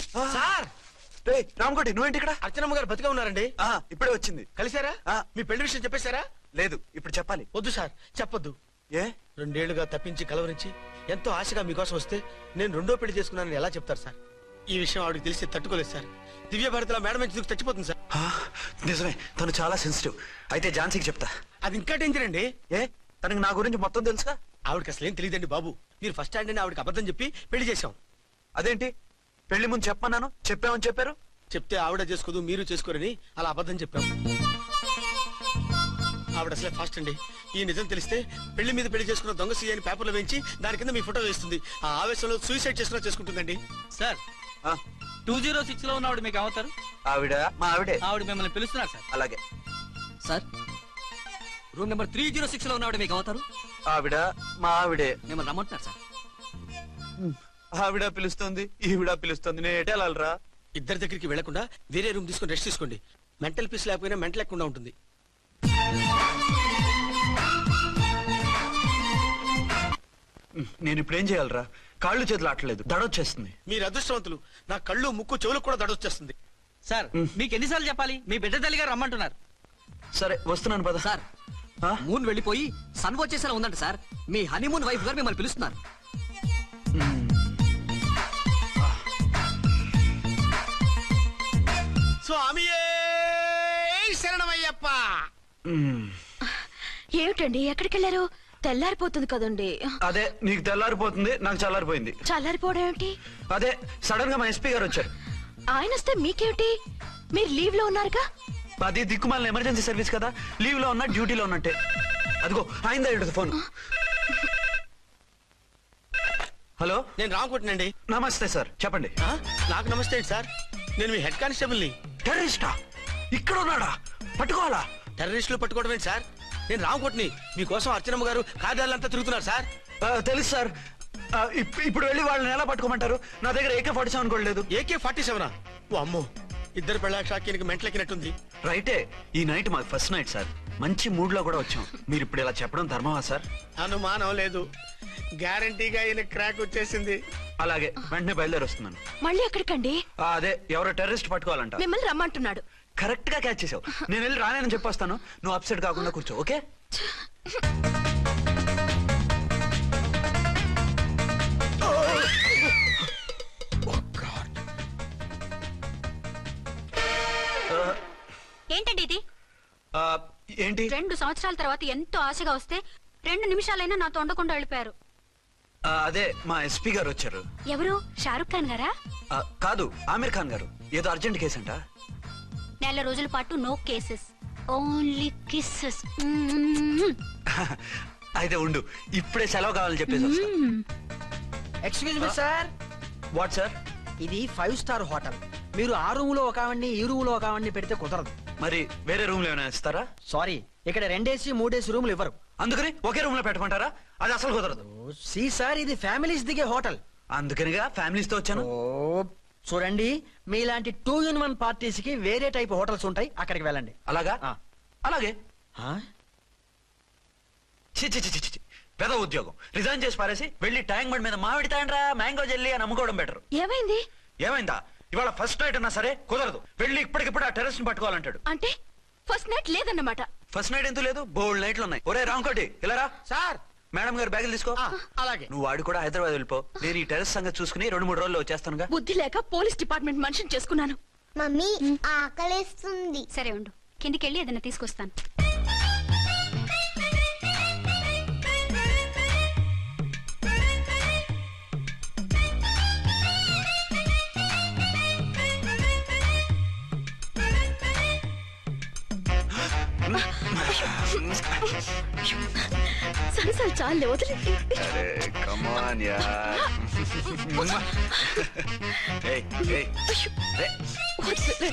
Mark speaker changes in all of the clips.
Speaker 1: Sir
Speaker 2: Ramakoti నువ్వేంటి ఇక్కడ?
Speaker 1: అర్చనమ్మ గారు బతిగా ఉన్నారండి.
Speaker 2: ఇప్పుడే వచ్చింది.
Speaker 1: కలిసారా? మీ పెళ్లి విషయం చెప్పేశారా?
Speaker 2: లేదు, ఇప్పుడు చెప్పాలి.
Speaker 1: వద్దు సార్, చెప్పొద్దు.
Speaker 2: ఏ?
Speaker 1: 2 ఏళ్లుగా తప్పించి కలవరించి ఎంతో ఆశగా మీకోసం వస్తే నేను 2వ పెళ్లి చేసుకున్నానని ఎలా చెప్తారు సార్? ఈ విషయం ఆవిడకి తెలిసి తట్టుకోలేదు సార్. దివ్య భారతిలో మేడం నుంచి దూకి చచ్చిపోతుంది సార్.
Speaker 2: నిజమే, తను చాలా సెన్సిటివ్. అయితే ఝాన్సీకి చెప్తా.
Speaker 1: అది ఇంకా డేంజర్ అండి.
Speaker 2: ఏ? తనకి నా గురించి మొత్తం తెలుసా?
Speaker 1: ఆవిడకి అసలు ఏం తెలియదండి బాబు. మీరు ఫస్ట్ హ్యాండ్ అని ఆవిడకి అబద్ధం చెప్పి పెళ్లి చేశాం.
Speaker 2: అదేంటి? పెళ్లి ముందు చెప్పమన్నాను, చెప్పామని చెప్పారు.
Speaker 1: చెప్తే ఆవిడ చేసుకోదు, మీరు చేసుకోరని అలా అబద్ధం చెప్పాం. ఆవిడ అసలే ఫాస్ట్ అండి. ఈ నిజం తెలిస్తే పెళ్లి మీద పెళ్లి చేసుకున్న దొంగ సీ అని పేపర్లో వేయించి దాని కింద మీ ఫోటో వేస్తుంది. ఆ ఆవేశంలో సూసైడ్ చేసుకుంటుందండి.
Speaker 3: సార్ 206 లో ఉన్న ఆవిడ మీకు అవుతారు?
Speaker 2: ఆవిడ మా ఆవిడే.
Speaker 3: ఆవిడ మిమ్మల్ని పిలుస్తున్నారు సార్.
Speaker 2: అలాగే
Speaker 3: సార్, రూమ్ నెంబర్ 306 లో ఉన్న ఆవిడ మీకు అవుతారు?
Speaker 2: ఆవిడ మా ఆవిడే.
Speaker 3: మిమ్మల్ని రమ్మంటున్నారు సార్.
Speaker 2: ఆవిడ పిలుస్తుంది, ఈవిడ పిలుస్తుంది. నేను ఎటు వెళ్ళాలరా?
Speaker 1: ఇద్దరి దగ్గరికి వెళ్లకుండా వేరే రూమ్ తీసుకుని రెస్ట్ తీసుకోండి. మెంటల్ పీస్ లేకపోయినా మెంటల్ లేకుండా ఉంటుంది.
Speaker 2: నేను ఇప్పుడు ఏం చేయాలరా? కాళ్ళు చేతులు ఆటలేదు, దడొచ్చేస్తుంది.
Speaker 1: మీరు అదృష్టవంతులు. నా కళ్ళు ముక్కు చెవులకు కూడా దడొచ్చేస్తుంది.
Speaker 3: సార్, మీకు ఎన్నిసార్లు చెప్పాలి? మీ బిడ్డ తల్లి గారు రమ్మంటున్నారు.
Speaker 2: సరే వస్తున్నాను పద.
Speaker 3: సార్, మూన్ వెళ్ళిపోయి సన్ వచ్చేసేలా ఉందంట సార్. మీ హనీమూన్ వైఫ్ గారు మిమ్మల్ని పిలుస్తున్నారు.
Speaker 1: స్వామియే శరణమయ్యప్ప.
Speaker 4: ఏమిటండి, ఎక్కడికి వెళ్ళారు? తెల్లారిపోతుంది కదండి.
Speaker 2: అదే, నీకు తెల్లారిపోతుంది, నాకు చల్లారిపోయింది.
Speaker 4: చల్లారిపోవడం ఏమిటి?
Speaker 2: అదే సడన్ గా మా ఎస్పీ గారు వచ్చారు.
Speaker 4: ఆయన వస్తే మీకేమిటి? మీరు లీవ్ లో ఉన్నారుగా.
Speaker 2: అది దిక్కుమాలిన ఎమర్జెన్సీ సర్వీస్ కదా, లీవ్ లో ఉన్నా డ్యూటీలో ఉన్నట్టే. అదిగో అయిందా ఫోన్. హలో,
Speaker 1: నేను రామకోటినండి.
Speaker 2: నమస్తే సార్, చెప్పండి.
Speaker 1: నాకు నమస్తే సార్. నేను మీ హెడ్ కానిస్టేబుల్ ని.
Speaker 2: టెర్రరిస్టా? ఇక్కడ ఉన్నాడా? పట్టుకోవాలా?
Speaker 1: టెర్రరిస్టులు పట్టుకోవడం ఏంటి సార్? నేను రామకోటిని. మీకోసం అర్చనమ్మ గారు కార్యాలంతా తిరుగుతున్నారు సార్.
Speaker 2: తెలుసు సార్. ఇప్పుడు వెళ్ళి వాళ్ళని ఎలా పట్టుకోమంటారు? నా దగ్గర AK-47 కూడా లేదు.
Speaker 1: AK-47? ఓ అమ్మో, ఇద్దరు పెళ్ళాకి మెంటలెక్కినట్టుంది.
Speaker 2: రైటే, ఈ నైట్ మాకు ఫస్ట్ నైట్ సార్. మంచి మూడ్ లో కూడా వచ్చాం. మీరు ఇప్పుడు ఇలా చెప్పడం ధర్మమా సార్?
Speaker 1: అనుమానం లేదు, గ్యారంటీగా ఈయన క్రాక్ వచ్చేసింది.
Speaker 2: అలాగే, వెంటనే బయలుదేరి వస్తున్నాను.
Speaker 4: మళ్ళీ ఎక్కడికండి?
Speaker 2: అదే, ఎవరో టెర్రరిస్ట్ పట్టుకోవాలంట.
Speaker 4: మిమ్మల్ని రమ్మంటున్నాడు.
Speaker 2: కరెక్ట్ గా క్యాచ్ చేసావు. నేను వెళ్ళి రానని చెప్పొస్తాను, నువ్వు అప్సెట్ కాకుండా కూర్చో, ఓకే?
Speaker 5: ఏంటండి ఇది?
Speaker 2: ఏంటి?
Speaker 5: 2 సంవత్సరాల తర్వాత ఎంతో ఆశగా వస్తే 2 నిమిషాలైనా నాతో ఉండకుండా వెళ్ళిపోయారు.
Speaker 2: అదే, మా ఎస్పీ గారు వచ్చారు.
Speaker 5: ఎవరు? షారుఖ్ ఖాన్ గారా?
Speaker 2: కాదు, ఆమీర్ ఖాన్ గారు. ఏదో అర్జెంట్ కేసు అంట.
Speaker 5: 4 రోజుల పాటు నో కేసెస్, ఓన్లీ కిస్సెస్.
Speaker 2: అయితే ఉండు, ఇప్పుడే సెలవు కావాలని చెప్పేసి.
Speaker 6: Excuse me sir.
Speaker 2: What sir?
Speaker 6: ఇది 5 స్టార్ హోటల్. మీరు ఆ రూమ్ లో ఒక ఆవిడ్ని, ఈ రూమ్ లో ఒక ఆవిడ్ని పెడితే కుదరదు.
Speaker 2: మరి వేరే రూమ్ లో ఏమైనా ఇస్తారా?
Speaker 6: సారీ, ఇక్కడ 2 AC 3 AC రూములు ఇవ్వరు.
Speaker 2: అందుకని ఒకే రూమ్ లో పెట్టమంటారా? అది అసలు కుదరదు.
Speaker 6: సి సార్, ఇది ఫ్యామిలీస్ దిగే హోటల్.
Speaker 2: అందుకనిగా ఫ్యామిలీస్ తో వచ్చాను.
Speaker 6: చూడండి, మీలాంటి 2 in 1 పార్టీస్ కి వేరే టైప్ హోటల్స్ ఉంటాయి, అక్కడికి వెళ్ళండి.
Speaker 2: అలాగా? అలాగే. పెద్ద ఉద్యోగం రిజైన్ చేసి పారేసి వెళ్ళి ట్యాంక్ బండ్ మీద మామిడి తాండ్రా మ్యాంగో జెల్లీ అని అమ్ముకోవడం బెటర్.
Speaker 4: ఏమైంది?
Speaker 2: ఏమైందా? ఇవాళ ఫస్ట్ నైట్ అన్నా సరే కుదరదు. వెళ్ళి ఇప్పటికిప్పుడు ఆ టెర్రస్ ని పట్టుకోవాలంటాడు.
Speaker 4: అంటే ఫస్ట్ నైట్ లేదన్నమాట.
Speaker 2: ఫస్ట్ నైట్ ఎందుకు లేదు? బోల్డ్ నైట్లు ఉన్నాయి. ఒరే రాంకోటి, ఇలా రా.
Speaker 1: సార్,
Speaker 2: మేడం గారు బ్యాగులు తీసుకో.
Speaker 1: అలాగే.
Speaker 2: నువ్వు వాడు కూడా హైదరాబాద్ వెళ్ళిపో. నేను ఈ టెర్రస్ సంగతి చూసుకుని 2-3 రోజుల్లో వచ్చేస్తానుగా.
Speaker 4: బుద్ధి లేక పోలీస్ డిపార్ట్మెంట్ మనిషిని చేసుకున్నాను.
Speaker 5: మమ్మీ ఆకలేస్తుంది. సరే ఉండు, కిందికెళ్ళి ఏదైనా తీసుకొస్తాను.
Speaker 4: సరే చాలే, వదిలే.
Speaker 2: కమాన్ యార్. ఏయ్ ఏయ్
Speaker 4: వదిలే.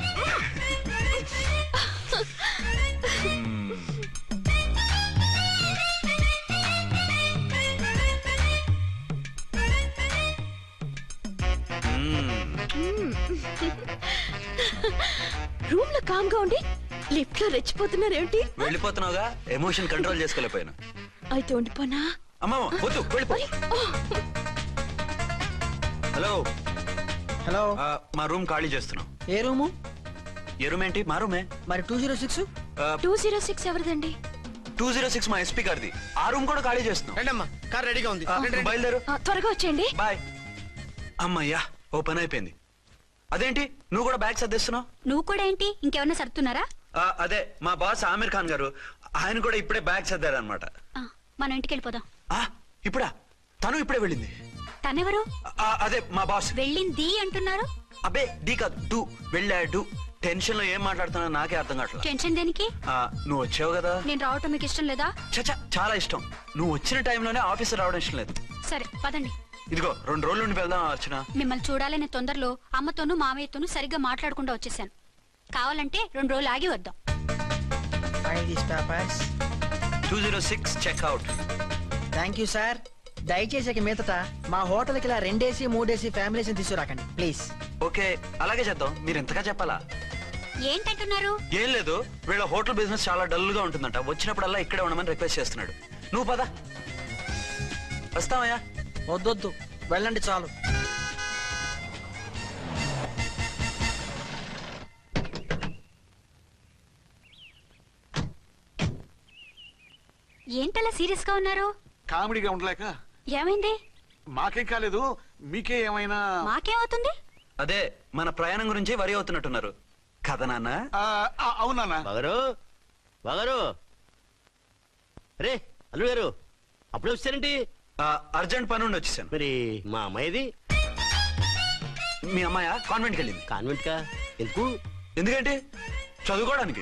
Speaker 4: రూమ్ లో కామ్ గా ఉండి లిఫ్ట్ లో రెచ్చిపోతున్నారేమిటి?
Speaker 2: వెళ్ళిపోతున్నావుగా, ఎమోషన్ కంట్రోల్ చేసుకోలేకపోయాను.
Speaker 4: అయితే ఉండిపోనా?
Speaker 2: అమ్మమ్మ వద్దు, వెళ్ళిపో. హలో
Speaker 6: హలో
Speaker 2: మా రూమ్ ఖాళీ చేస్తున్నాం.
Speaker 6: ఏ రూము?
Speaker 2: ఏ రూమ్ ఏంటి? మా రూమే.
Speaker 6: మరి 206?
Speaker 4: 206 ఎవరిదండి?
Speaker 2: 206 మా ఎస్పీ గారిది. ఆ రూమ్ కూడా ఖాళీ చేస్తున్నాం.
Speaker 1: రండమ్మా, కార్ రెడీగా ఉంది. రండి, రండి.
Speaker 2: బయలుదేరు.
Speaker 4: త్వరగా వచ్చేయండి.
Speaker 2: బాయ్. అమ్మయ్యా, ఓ పని అయిపోయింది. అదేంటి నువ్వు కూడా బ్యాగ్ సర్దిస్తున్నావు?
Speaker 5: నువ్వు కూడా ఏంటి ఇంకెవరన్నా సర్దుతున్నారా?
Speaker 2: అదే మా బాస్ ఆమీర్ ఖాన్ గారు, ఆయన కూడా ఇప్పుడే బ్యాగ్ సర్దారు అనమాట.
Speaker 5: మనం ఇంటికి వెళ్ళిపోదాం.
Speaker 2: ఇప్పుడా? తను ఇప్పుడే వెళ్ళింది.
Speaker 5: తనెవరు?
Speaker 2: అదే మా బాస్.
Speaker 5: వెళ్ళింది అంటున్నారు.
Speaker 2: అబ్బే డీ కాదు, డూ. వెళ్ళాడు. టెన్షన్ లో ఏం మాట్లాడుతున్నా నాకే అర్థం కావట్లేదు.
Speaker 5: టెన్షన్ దేనికి?
Speaker 2: నువ్వు వచ్చావు కదా.
Speaker 5: నేను రావటం మీకు ఇష్టం లేదా?
Speaker 2: చచ్చా, చాలా ఇష్టం. నువ్వు వచ్చిన టైంలోనే ఆఫీస్ రావడం ఇష్టం లేదు.
Speaker 5: సరే పదండి.
Speaker 2: ఇదిగో 2 రోజుల నుండి వెళ్దాం అర్చన.
Speaker 5: మిమ్మల్ని చూడాలనే తొందరలో అమ్మతోనూ మామయ్యతోనూ సరిగ్గా మాట్లాడకుండా వచ్చేసాను. కావాలంటే 2 రోజులు ఆగి వద్దాం.
Speaker 2: 206 చెక్అవుట్.
Speaker 6: Thank you sir. దయచేసి ఇక మీదట మా హోటల్కి ఇలా 2 AC 3 AC ఫ్యామిలీస్ తీసుకురాకండి ప్లీజ్.
Speaker 2: ఓకే, అలాగే చేద్దాం. మీరు ఎంతగా చెప్పాలా?
Speaker 5: ఏంటంటున్నారు?
Speaker 2: ఏం లేదు, వీళ్ళ హోటల్ బిజినెస్ చాలా డల్ గా ఉంటుందంట. వచ్చినప్పుడల్లా ఇక్కడే ఉండమని రిక్వెస్ట్ చేస్తున్నాడు. నువ్వు పద. వస్తావయ్యా?
Speaker 6: వద్దొద్దు, వెళ్ళండి చాలు.
Speaker 5: ఏంటలా సీరియస్ గా ఉన్నారు?
Speaker 7: కామెడీగా ఉండలేక.
Speaker 5: ఏమైంది?
Speaker 7: మాకేం కాలేదు, మీకే ఏమైనా?
Speaker 5: మాకేమవుతుంది?
Speaker 2: అదే మన ప్రయాణం గురించి వరి అవుతున్నట్టున్నారు కదా నాన్న?
Speaker 7: అవునా?
Speaker 1: బాగారు రే అల్లుడు గారు, అప్పుడే వచ్చారేంటి?
Speaker 2: అర్జెంట్ పని ఉండి వచ్చేసాను.
Speaker 1: మరి మా అమ్మాయిది?
Speaker 2: మీ అమ్మాయ కాన్వెంట్కి వెళ్ళింది.
Speaker 1: కాన్వెంట్ కా? ఎందుకు?
Speaker 2: ఎందుకంటే చదువుకోవడానికి.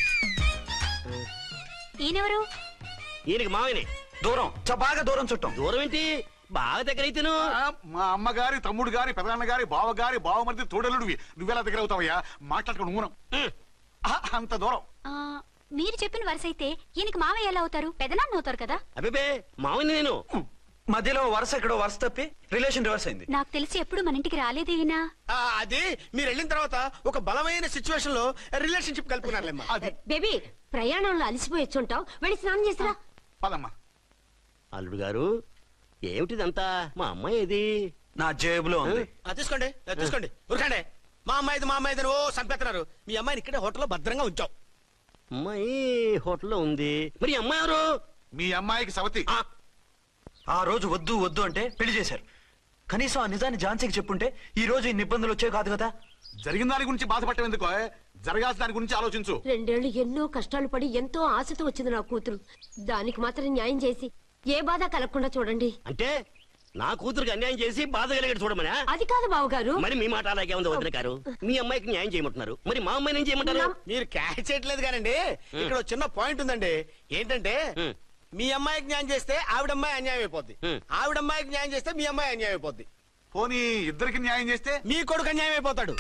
Speaker 5: ఈయనెవరు?
Speaker 1: ఈయనకి మావయ్యనే.
Speaker 2: దూరం, బాగా దూరం చుట్టాం.
Speaker 1: దూరం ఏంటి, బాగా దగ్గర అయితేను.
Speaker 7: మా అమ్మగారి, తమ్ముడు గారి, పెదనాన్న గారి, బావగారి, బావమరిది తోడలుడివి. నువ్వెలా దగ్గర అవుతావయ్యా? మాట్లాడుకుని ఊనం. అంత దూరం.
Speaker 5: మీరు చెప్పిన వరుస అయితే ఈయనకి మామయ్య ఎలా అవుతారు? పెదనాన్న అవుతారు కదా.
Speaker 1: అబ్బే మావయ్య నేను.
Speaker 2: మధ్యలో వరుస ఎక్కడో వరుస తప్పి రిలేషన్ రివర్స్ అయింది.
Speaker 5: నాకు తెలిసి ఎప్పుడు మన ఇంటికి రాలేదు ఈయన.
Speaker 1: అది మీరు వెళ్ళిన తర్వాత ఒక బలమైన సిచ్యువేషన్ లో రిలేషన్షిప్ కలుపుకున్నారులేమ్మా.
Speaker 4: బేబీ, ప్రయాణంలో అలసిపోయి వచ్చుంటావు, వెళ్ళి స్నానం చేసిరా.
Speaker 7: పదమ్మా.
Speaker 1: అల్లుడు గారు, ఏమిటిదంతా? మా అమ్మాయి ఏది?
Speaker 2: నా జేబులో ఉంది.
Speaker 1: తీసుకోండి, తీసుకోండి. ఉరకండి. మా అమ్మాయిది ఓ సంపెత్తనారు. మీ అమ్మాయిని ఇక్కడే హోటల్లో భద్రంగా ఉంచాం. అమ్మాయి హోటల్లో ఉంది. మరి అమ్మాయి ఎవరు?
Speaker 7: మీ అమ్మాయికి సవతి.
Speaker 2: ఆ రోజు వద్దు వద్దు అంటే పెళ్లి చేశారు. కనీసం ఆ నిజాన్ని ఝాన్సీకి చెప్పుంటే ఈ రోజు ఇన్ని ఇబ్బందులు వచ్చే కాదు కదా.
Speaker 7: జరిగిన దాని గురించి బాధపడటం ఎందుకో, జరగాల్సిన దాని గురించి ఆలోచించు.
Speaker 4: 2 ఏళ్లు ఎన్నో కష్టాలు పడి ఎంతో ఆశతో వచ్చింది నా కూతురు. దానికి మాత్రం న్యాయం చేసి ఏ బాధ కలగకుండా చూడండి.
Speaker 1: అంటే నా కూతురికి అన్యాయం చేసి బాధ కలిగేది చూడమనా?
Speaker 4: అది కాదు బావగారు.
Speaker 1: మరి మీ మాట అలాగే ఉంది వదిన గారు. మీ అమ్మాయికి న్యాయం చేయమంటున్నారు, మరి మా అమ్మాయిని ఏం చేయమంటారు?
Speaker 8: మీరు క్యాచ్ చేయట్లేదు కానండి. ఇక్కడ ఒక చిన్న పాయింట్ ఉందండి. ఏంటంటే మీ అమ్మాయికి న్యాయం చేస్తే ఆవిడమ్మాయి అన్యాయం అయిపోద్ది, ఆవిడమ్మాయికి న్యాయం చేస్తే మీ అమ్మాయి అన్యాయం అయిపోద్ది.
Speaker 7: పోనీ ఇద్దరికి న్యాయం చేస్తే
Speaker 8: మీ కొడుకు అన్యాయం అయిపోతాడు.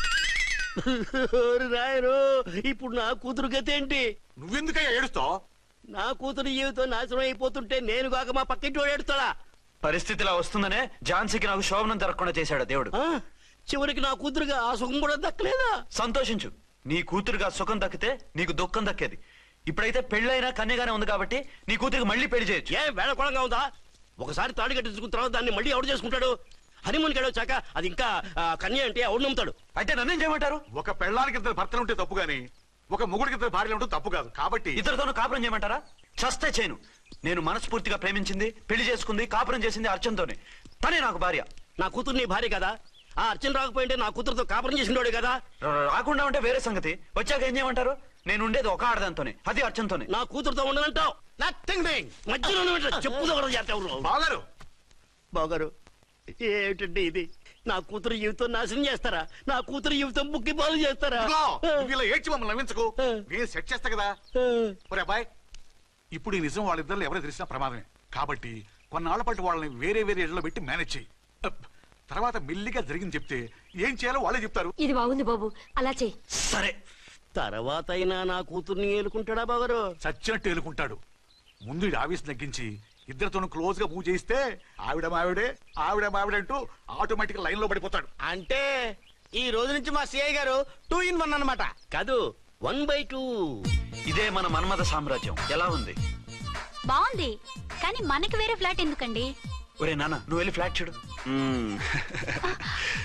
Speaker 1: రాయరు, ఇప్పుడు నా కూతురు గతి ఏంటి?
Speaker 7: నువ్వెందుకయ్యా ఏడుస్తావు?
Speaker 1: నా కూతురు జీవితం నాశనం అయిపోతుంటే నేను కాక మా పక్కింటి ఏడుస్తాడా?
Speaker 2: పరిస్థితి ఇలా వస్తుందనే ఝాన్సీకి నాకు శోభనం జరగకుండా చేశాడు దేవుడు.
Speaker 1: చివరికి నా కూతురుగా ఆ సుఖం కూడా దక్కలేదా?
Speaker 2: సంతోషించు, నీ కూతురుగా సుఖం దక్కితే నీకు దుఃఖం దక్కేది. ఇప్పుడైతే పెళ్ళైనా కన్యగానే ఉంది కాబట్టి నీ కూతురికి మళ్ళీ పెళ్లి చేయొచ్చు.
Speaker 1: ఏ వేళకోళంగా ఉందా? ఒకసారి తాడు కట్టించుకున్న తర్వాత దాన్ని మళ్ళీ ఎవడు చేసుకుంటాడు? హనీమూన్కి వెళ్ళొచ్చాక అది ఇంకా కన్య అంటే ఎవడు నమ్ముతాడు?
Speaker 2: అయితే నన్నేం చేయమంటారు?
Speaker 7: ఒక పెళ్ళానికి 2 భర్తలు ఉంటే తప్పు గాని ఒక మొగుడికి 2 భార్యలు ఉంటే తప్పు కాదు. కాబట్టి
Speaker 2: ఇద్దరితోనూ కాపురం చేయమంటారా? చస్తే చేయను. నేను మనస్ఫూర్తిగా ప్రేమించింది, పెళ్లి చేసుకుంది, కాపురం చేసింది అర్చనతోనే. తనే నాకు భార్య.
Speaker 1: నా కూతురు నీ భార్య కదా? ఆ అర్చన రాకపోయింటే నా కూతురుతో కాపురం చేసినోడే కదా?
Speaker 2: రాకుండా ఉంటే వేరే సంగతి. వచ్చాక ఏం చేయమంటారు? నేను ఉండేది ఒక ఆడదాంతోనే, అది అర్చనతోనే.
Speaker 1: నా కూతురుతో ఉండనంటావు?
Speaker 8: Nothing doing.
Speaker 1: మధ్యలో చెప్పుదో కూడా చేస్తావు.
Speaker 7: బాగారు
Speaker 1: బాగారు, ఏమిటండి ఇది? నా కూతురు జీవితం నాశనం చేస్తారా? నా కూతురు జీవితం బుక్కి పాలు చేస్తారా?
Speaker 7: ఇలా ఏడ్చి మమ్మల్ని నవ్వించకు. నేను సెట్ చేస్తా కదా. ఒరే అబ్బాయి, ఇప్పుడు ఈ నిజం వాళ్ళిద్దరు ఎవరో తెలిసినా ప్రమాదమే. కాబట్టి కొన్నాళ్ల పాటు వాళ్ళని వేరే వేరే ఇళ్లలో పెట్టి మేనేజ్ చేయి. తర్వాత మెల్లిగా జరిగింది చెప్తే ఏం చేయాలో వాళ్ళే చెప్తారు.
Speaker 4: ఇది బాగుంది బాబు, అలా చెయ్యి.
Speaker 2: సరే,
Speaker 1: తర్వాత అయినా నా కూతుర్ని ఏలుకుంటాడా బాగారు?
Speaker 7: చచ్చినట్టు ఏలుకుంటాడు. ముందు ఈ ఆవేశం తగ్గించి ఇద్దరితోనూ క్లోజ్ గా పూజ చేయిస్తే ఆవిడ మావిడే అంటూ ఆటోమేటిక్ లైన్ లో పడిపోతాడు.
Speaker 8: అంటే ఈ రోజు నుంచి మా సిఐ గారు 2 in 1 అన్నమాట.
Speaker 1: కాదు, 1/2.
Speaker 2: ఇదే మన మన్మథ సామ్రాజ్యం. ఎలా ఉంది?
Speaker 5: బాగుంది, కానీ మనకి వేరే ఫ్లాట్ ఎందుకండి?
Speaker 2: ఒరే నాన్న, నువ్వు వెళ్ళి ఫ్లాట్ చూడు.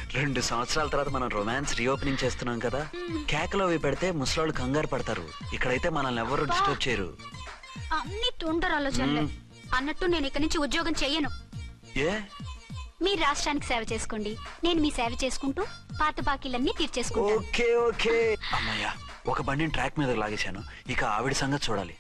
Speaker 2: 2 సంవత్సరాల తర్వాత మనం రొమాన్స్ రీఓపెనింగ్ చేస్తున్నాం కదా, కేకలో అవి పెడితే ముసలోళ్ళు కంగారు పడతారు. ఇక్కడైతే మనల్ని ఎవరు డిస్టర్బ్ చేయరు.
Speaker 5: అన్ని తొందర ఆలోచనలే. అన్నట్టు నేను ఇక్కడి నుంచి ఉద్యోగం చెయ్యను.
Speaker 2: ఏ
Speaker 5: మీరు రాష్ట్రానికి సేవ చేసుకోండి, నేను మీ సేవ చేసుకుంటూ పాత బాకీలన్నీ తీర్చేసుకుంటాను.
Speaker 2: Okay okay. అమ్మయ్యా, ఒక బండిని ట్రాక్ మీద లాగేశాను. ఇక ఆవిడ సంగతి చూడాలి.